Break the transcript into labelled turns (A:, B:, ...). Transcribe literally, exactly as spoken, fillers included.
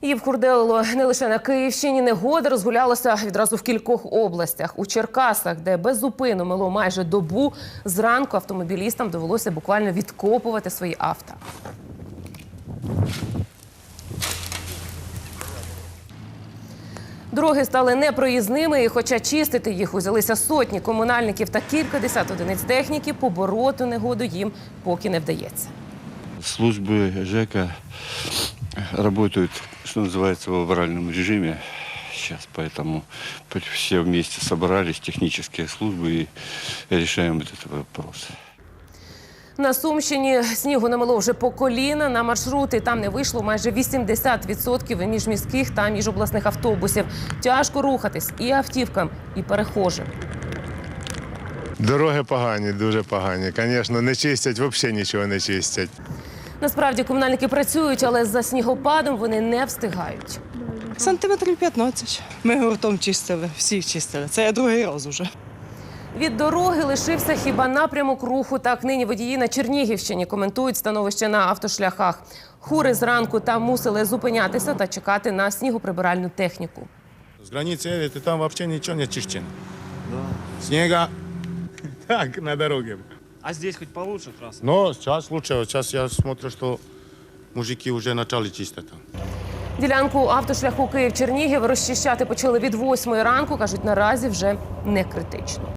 A: Її вкурделило не лише на Київщині. Негода розгулялася відразу в кількох областях. У Черкасах, де без зупину мило майже добу, зранку автомобілістам довелося буквально відкопувати свої авто. Дороги стали непроїзними, і хоча чистити їх узялися сотні комунальників та кількадесят одиниць техніки, побороти негоду їм поки не вдається.
B: Службы ЖЭКа работают, что называется, в авральном режиме сейчас, поэтому все вместе собрались, технические службы, и решаем этот вопрос.
A: На Сумщині снігу намело вже по коліна. На маршрути там не вийшло майже вісімдесят відсотків міжміських та міжобласних автобусів. Тяжко рухатись і автівкам, і перехожим.
C: Дороги погані, дуже погані. Звісно, не чистять, взагалі нічого не чистять.
A: Насправді комунальники працюють, але за снігопадом вони не встигають.
D: Сантиметрів п'ятнадцять. Ми гуртом чистили, всі чистили. Це другий раз уже.
A: Від дороги лишився хіба напрямок руху. Так нині водії на Чернігівщині коментують становище на автошляхах. Хури зранку там мусили зупинятися та чекати на снігоприбиральну техніку.
E: С границы едет, и там вообще ничего не чищено. Да. Снега так на дороге.
F: А здесь хоть получше трасса?
E: Но сейчас лучше. Вот сейчас я смотрю, что мужики уже начали чистить.
A: Ділянку автошляху Київ-Чернігів розчищати почали від восьмої ранку. Кажуть, наразі вже не критично.